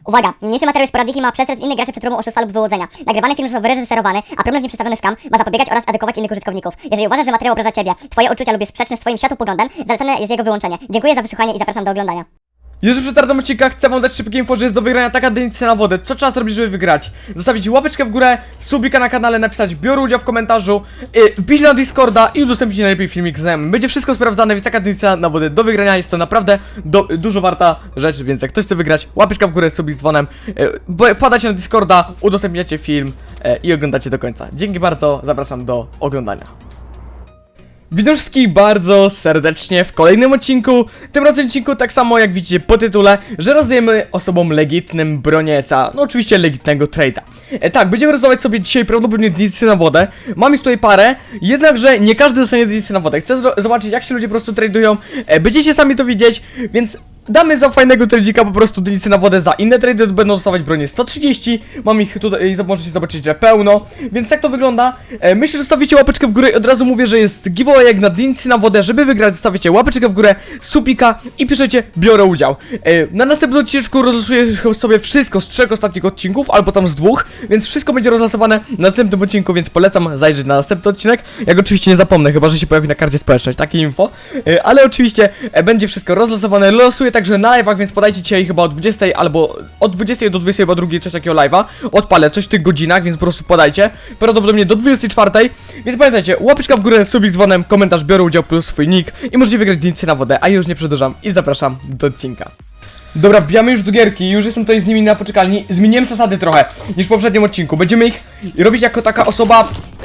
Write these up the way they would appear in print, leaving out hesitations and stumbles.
Uwaga! Niniejszy materiał jest poradnik i ma przestrzec innych graczy przed próbą oszustwa lub wyłudzenia. Nagrywany film został wyreżyserowany, a problem w nim przedstawiony skam ma zapobiegać oraz edukować innych użytkowników. Jeżeli uważasz, że materiał obraża Ciebie, Twoje uczucia lub jest sprzeczny z Twoim światopoglądem, zalecane jest jego wyłączenie. Dziękuję za wysłuchanie i zapraszam do oglądania. Jeszcze przed startem odcinka chcę wam dać szybkie info, że jest do wygrania taka dynica na wodę. Co trzeba zrobić, żeby wygrać? Zostawić łapeczkę w górę, subika na kanale, napisać biorę udział w komentarzu, wbić na Discorda i udostępnić najlepiej filmik ze mną. Będzie wszystko sprawdzane, więc taka dynica na wodę do wygrania jest to naprawdę dużo warta rzecz, więc jak ktoś chce wygrać, łapeczka w górę, subik z dzwonem, wpadacie na Discorda, udostępniacie film i oglądacie do końca. Dzięki bardzo, zapraszam do oglądania. Witam wszystkich bardzo serdecznie w kolejnym odcinku. Tym razem odcinku tak samo jak widzicie po tytule, że rozdajemy osobom legitnym bronieca. No oczywiście legitnego trade'a. Tak, będziemy rozdawać sobie dzisiaj prawdopodobnie dynicję na wodę. Mam ich tutaj parę, jednakże nie każdy dostanie dynicję na wodę. Chcę zobaczyć jak się ludzie po prostu tradują. Będziecie sami to widzieć, więc damy za fajnego tradzika po prostu dynicję na wodę. Za inne trady będą dostawać bronię 130. Mam ich tutaj, możecie zobaczyć, że pełno. Więc jak to wygląda? Myślę, że zostawicie łapeczkę w górę i od razu mówię, że jest giveaway jak na dynicję na wodę. Żeby wygrać, zostawicie łapeczkę w górę, supika i piszecie biorę udział. Na następnym odcinku rozlosuję sobie wszystko z 3 ostatnich odcinków, albo tam z 2, więc wszystko będzie rozlosowane w następnym odcinku, więc polecam zajrzeć na następny odcinek. Jak oczywiście nie zapomnę, chyba że się pojawi na karcie społeczność, takie info. Ale oczywiście będzie wszystko rozlosowane. Losuję także na live'ach, więc podajcie dzisiaj chyba o 20 albo od 20 do 22 coś takiego live'a. Odpalę coś w tych godzinach, więc po prostu podajcie. Prawdopodobnie do 24, więc pamiętajcie, łapeczka w górę, subik z dzwonem, komentarz biorę udział plus swój nick i możecie wygrać dynicję na wodę, a ja już nie przedłużam i zapraszam do odcinka. Dobra, wbijamy już do gierki, już jestem tutaj z nimi na poczekalni. Zmieniłem zasady trochę niż w poprzednim odcinku. Będziemy ich robić jako taka osoba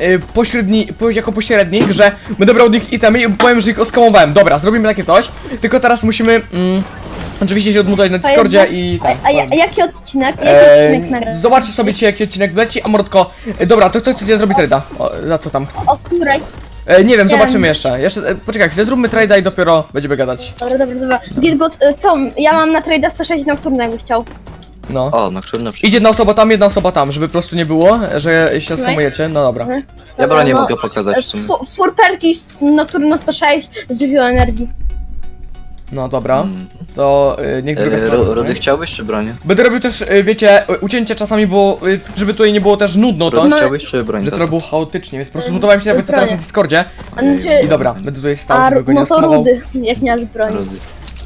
jako pośrednik, że będę brał od nich itemy i powiem, że ich oskamowałem. Dobra, zrobimy takie coś, tylko teraz musimy oczywiście się odmutować na Discordzie i tak. A jaki odcinek? Jaki odcinek nagrać? Zobaczcie sobie dzisiaj jaki odcinek leci, a mordko. Dobra, to co chcecie zrobić trade'a? Za co tam? O której? Nie wiem, zobaczymy jeszcze. Poczekaj chwilę, zróbmy trade'a i dopiero będziemy gadać. Dobra. Gitgood, co? Ja mam na trade'a 106 nocturne, jakbyś chciał. No. O, nocturne Idzie jedna osoba tam, żeby po prostu nie było, że się skamujecie. No dobra. Ja bronię nie mogę pokazać w sumie. Furperki nocturno 106 z żywioł energii. No dobra. To niech druga strona. Rudy chciałbyś czy bronię? Będę robił też, wiecie, ucięcia czasami, bo żeby tutaj nie było też nudno, to Rudy chciałbyś czy broń że za to to? było chaotycznie, więc po prostu zmutowałem się jakby teraz na Discordzie. Znaczy, I dobra, będę tutaj stał, żeby go nie no to oskamował. rudy, jak nie masz broni. Rudy.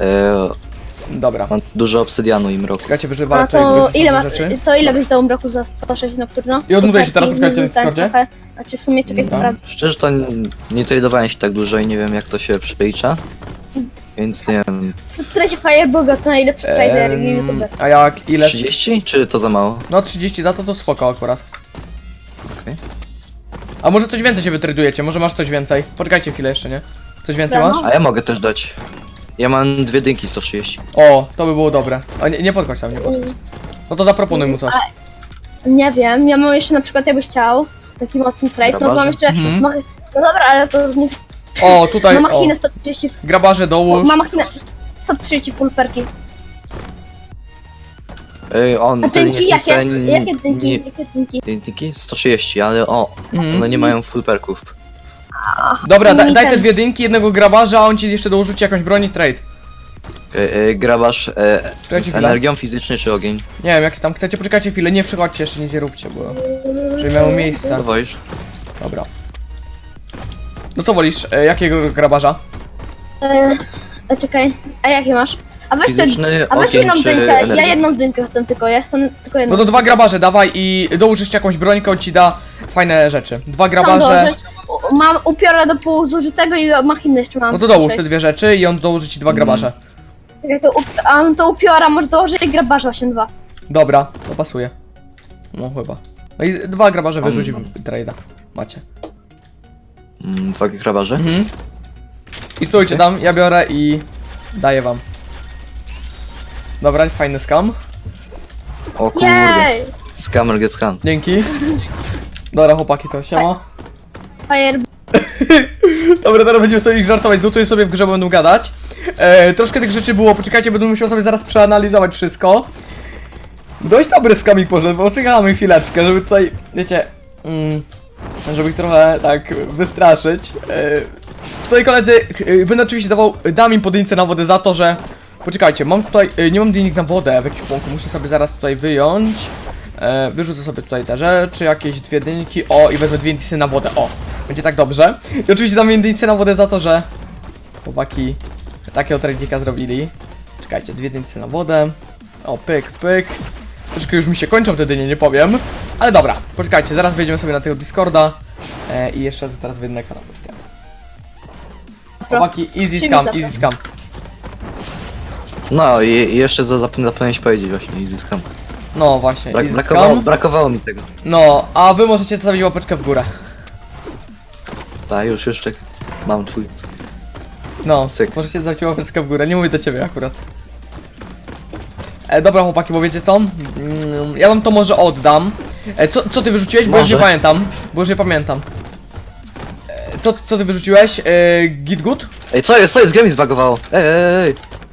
Dobra. Mam dużo obsydianu i mroku. Czekajcie, wyżywam A tutaj to ile masz masz? rzeczy. To ile byś dał mroku za 106 nocturno? I odmutuję się teraz, Furperki, poczekajcie na Discordzie. trochę. Znaczy w sumie czekaj, Dobra. sprawdzę. Szczerze to nie tradowałem się tak dużo i nie wiem jak to się przelicza. Więc nie wiem. Pytaj się Fireboga, to najlepszy trader i youtuber. A jak, ile? 30 czy to za mało? No 30 za to spoko akurat. Okej. A może coś więcej się wytradujecie, może masz coś więcej? Poczekajcie chwilę jeszcze, nie? Coś więcej Dobra. masz? A ja mogę też dać. Ja mam 2 dynki 130. O, to by było dobre. A nie podchodź tam, nie podchodź. No to zaproponuj mu coś. Nie wiem, ja mam jeszcze na przykład jakbyś chciał taki mocny trade, no to mam jeszcze no dobra, ale to nie O, tutaj, mam o. machinę 130, Grabarze dołóż. mam machinę 130 full perki. On A wtedy dynki nie chce. jakie? Jakie dynki? Jakie dynki? Dynki? 130, ale one nie mają full perków. Dobra, daj te ten. 2 dynki, jednego grabarza, a on ci jeszcze dorzuci jakąś broń i trade. Grabasz z chwilę. energią fizycznej czy ogień? Nie wiem, jak tam chcecie, poczekajcie chwilę, nie przychodźcie jeszcze, nic nie róbcie, bo... Żeby miało miejsce. Co wolisz? Dobra. No co wolisz, jakiego grabarza? Czekaj, a jakie masz? A weź Fizyczny, a weź ogień jedną czy dynkę, ja energia? jedną dynkę chcę tylko, ja chcę tylko jedną. No to 2 grabarze dawaj i dołóż jeszcze jakąś brońkę, on ci da fajne rzeczy. 2 Chcę grabarze... dołożyć. Mam upiora do pół zużytego i machinę jeszcze mam. No to dołóż te 2 rzeczy i on dołoży ci 2 grabarze. Czekaj, to upiora może dołożyć i grabarza 8-2. Dobra, to pasuje. No chyba. No i 2 grabarze wyrzuci trade'a. Macie. 2 grabarze? I stójcie tam, ja biorę i daję wam. Dobra, fajny scam. O kurde. Jej! Scammer get scam. Dzięki. Dobra chłopaki, to siema. Fire... Dobra, teraz będziemy sobie ich żartować, zutuję sobie w grze, bo będą gadać. Troszkę tych rzeczy było, poczekajcie, będę musiał sobie zaraz przeanalizować wszystko. Dość dobry skamik poszedł, bo czekamy chwileczkę, żeby tutaj, wiecie, żeby ich trochę tak wystraszyć. Tutaj koledzy, będę oczywiście dam im podjęcie na wodę za to, że Poczekajcie, mam tutaj, nie mam dynik na wodę w ekwipunku, muszę sobie zaraz tutaj wyjąć. Wyrzucę sobie tutaj te rzeczy, jakieś 2 dyniki, o i wezmę 2 dynki na wodę, o. Będzie tak dobrze. I oczywiście dam 2 dynki na wodę za to, że chłopaki takiego tradzika zrobili. Czekajcie, 2 dynki na wodę. O, pyk, pyk. Troszkę już mi się kończą te dynie, nie powiem. Ale dobra, poczekajcie, zaraz wejdziemy sobie na tego Discorda. I jeszcze teraz wyjdę na kanał. Chłopaki, easy scam, easy scam. No i jeszcze zapomniałem się powiedzieć właśnie i zyskam. No właśnie, easy scam. Brakowało mi tego. No, a wy możecie zostawić łapeczkę w górę. Tak, już jeszcze mam twój. No, Cyk. możecie zostawić łapeczkę w górę, nie mówię do ciebie akurat. Dobra chłopaki, bo wiecie co? Ja wam to może oddam. Co ty wyrzuciłeś? Bo już nie Może. pamiętam. Bo już nie pamiętam. Co ty wyrzuciłeś? Git good? Ej, co jest? Gra mi zbagowało. Ej.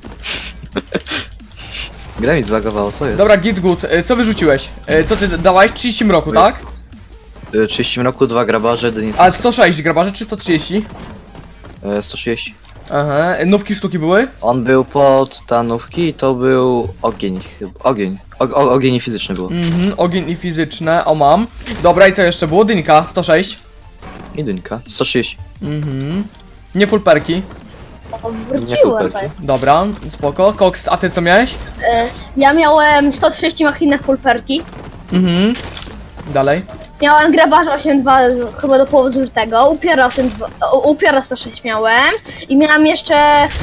Gra mi zbagowało, co jest? Dobra, git good. Co wyrzuciłeś? Co ty dawałeś? 30 mroku, tak? 30 roku, 2 grabarze, dynicę. A 106 grabarze czy 130? 130. Aha, nówki sztuki były? On był pod tanówki i to był ogień chyba. Ogień i fizyczny było. Ogień i fizyczne, o mam. Dobra, i co jeszcze było? Dynka, 106. I dynka. 130. Nie full perki. O, Nie wróciłem super. tutaj. Dobra, spoko. Cox, a ty co miałeś? Ja miałem 130 machinę full perki. Dalej. Miałem grabarza 8.2 chyba do połowy zużytego, upiora 106 miałem i miałem jeszcze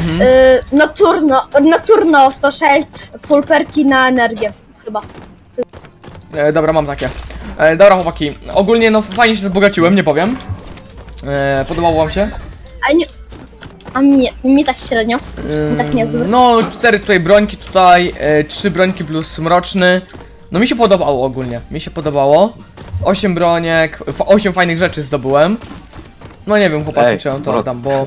Nocturno 106 full perki na energię chyba. Dobra, mam takie. Dobra chłopaki, ogólnie no fajnie się wzbogaciłem, nie powiem. Podobało wam się? A mnie tak średnio, tak niezły. No, 4 tutaj brońki, tutaj 3 brońki plus mroczny. No mi się podobało ogólnie, mi się podobało. 8 broniek, 8 fajnych rzeczy zdobyłem. No nie wiem chłopaki, Ej, czy on to bro. oddam, bo...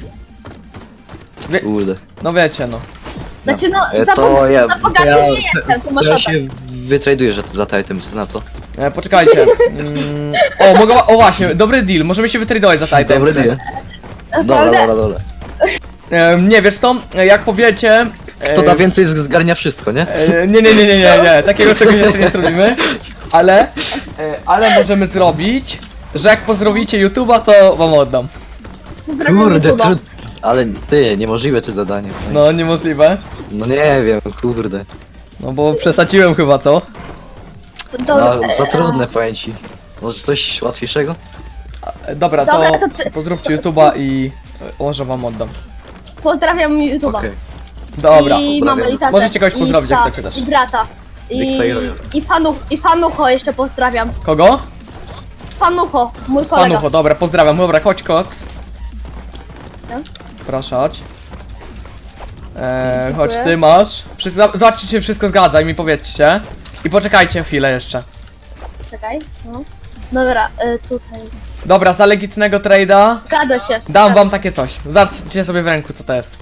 Kurde. No wiecie no. Znaczy no, To ja, za bogaty nie jestem, to masz ja oddać. się wytraduję za te item na to. Poczekajcie. O właśnie, dobry deal, możemy się wytradować za taj Dobry deal. Dobra. Nie, wiesz co, jak powiecie... To da więcej zgarnia wszystko, nie? Nie, takiego czegoś jeszcze nie zrobimy. Ale możemy zrobić, że jak pozdrowicie YouTube'a, to wam oddam. Kurde, ale ty, niemożliwe to zadanie. No, niemożliwe. No nie wiem, kurde. No bo przesadziłem chyba, co? Dobra, No, za trudne powiem ci. Może coś łatwiejszego? Dobra, Dobra, to to ty- pozdrówcie YouTube'a i może wam oddam. Pozdrawiam YouTube'a. Okej. Dobra. I pozdrawiam. mamę i tatę. Możecie kogoś pozdrowić, jak I chcecie też. I brata. I Fanucho jeszcze pozdrawiam. Kogo? Fanucho, mój kolega. Panucho, dobra, pozdrawiam. Dobra, chodź Cox. No. Proszę, chodź. Chodź, Dziękuję. ty masz. Zobaczcie, czy się wszystko zgadza i mi powiedzcie. I poczekajcie chwilę jeszcze. Czekaj, no. Dobra, tutaj. Dobra, za legitnego trade'a Zgadza się. dam wam takie coś. Zobaczcie sobie w ręku, co to jest.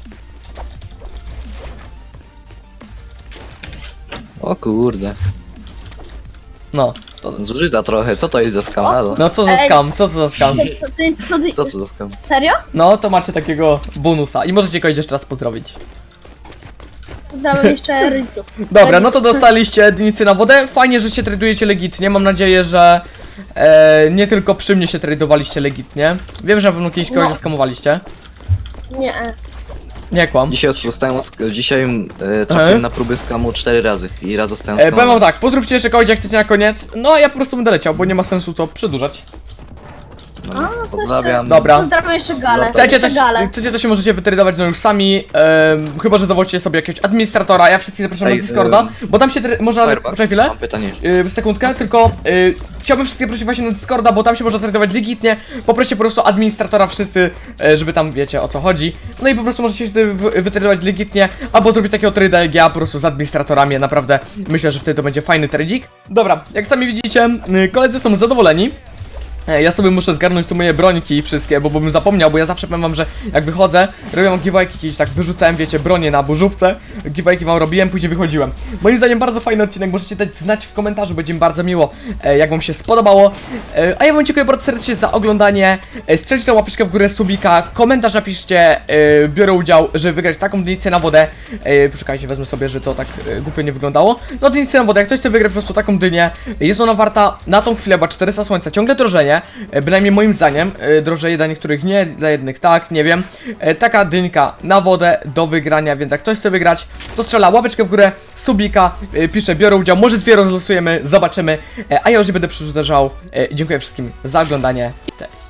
O kurde. No. Zużyta trochę, co to jest za skam? Halo? No co za Ej. skam, co za skam. Co to za skam? Serio? No, to macie takiego bonusa i możecie kogoś jeszcze raz pozdrowić. Pozdrawiam jeszcze rodziców. Dobra, no to dostaliście dynicy na wodę. Fajnie, że się tradujecie legitnie. Mam nadzieję, że nie tylko przy mnie się tradowaliście legitnie. Wiem, że na pewno kiedyś kogoś No. skamowaliście. Nie. Nie kłam. Dzisiaj trafiłem na próby skamu 4 razy i raz zostałem Powiem wam skamowany. tak, pozdrówcie jeszcze kogoś jak chcecie na koniec. No a ja po prostu będę leciał, bo nie ma sensu co przedłużać. No, pozdrawiam. Dobra. Pozdrawiam jeszcze Galę. Chcecie Jeszcze też, Galę. chcecie to się możecie wytradować no już sami, chyba że zawołacie sobie jakiegoś administratora, ja wszystkich zapraszam Ej, na Discorda, bo tam się można... Firebug, Poczekaj chwilę. mam pytanie. Sekundkę, tylko chciałbym wszystkich prosić właśnie na Discorda, bo tam się można tradować legitnie. Poproście po prostu administratora wszyscy, żeby tam wiecie o co chodzi. No i po prostu możecie się wytradować legitnie, albo zrobić takiego trade'a jak ja po prostu z administratorami. Naprawdę myślę, że wtedy to będzie fajny tradzik. Dobra, jak sami widzicie, koledzy są zadowoleni. Ja sobie muszę zgarnąć tu moje brońki wszystkie, bo bym zapomniał, bo ja zawsze powiem wam, że jak wychodzę, robiłem giveawayki kiedyś, tak wyrzucałem, wiecie, bronię na burzówce, giveawayki wam robiłem, później wychodziłem. Moim zdaniem bardzo fajny odcinek, możecie dać znać w komentarzu, będzie mi bardzo miło, jak wam się spodobało. A ja wam dziękuję bardzo serdecznie za oglądanie, strzelcie tą łapeczkę w górę, subika, komentarz napiszcie, biorę udział, żeby wygrać taką dynicę na wodę. Poczekajcie, wezmę sobie, że to tak głupio nie wyglądało. No dynicę na wodę, jak ktoś chce wygrać po prostu taką dynię, jest ona warta na tą chwilę, bo 400 słońca, ciągle drożenie. Bynajmniej moim zdaniem, drożeje dla niektórych nie, dla jednych tak, nie wiem. Taka dynka na wodę do wygrania, więc jak ktoś chce wygrać, to strzela łapeczkę w górę, subika, pisze biorę udział, może 2 rozlosujemy, zobaczymy. A ja już nie będę przedłużał. Dziękuję wszystkim za oglądanie i cześć.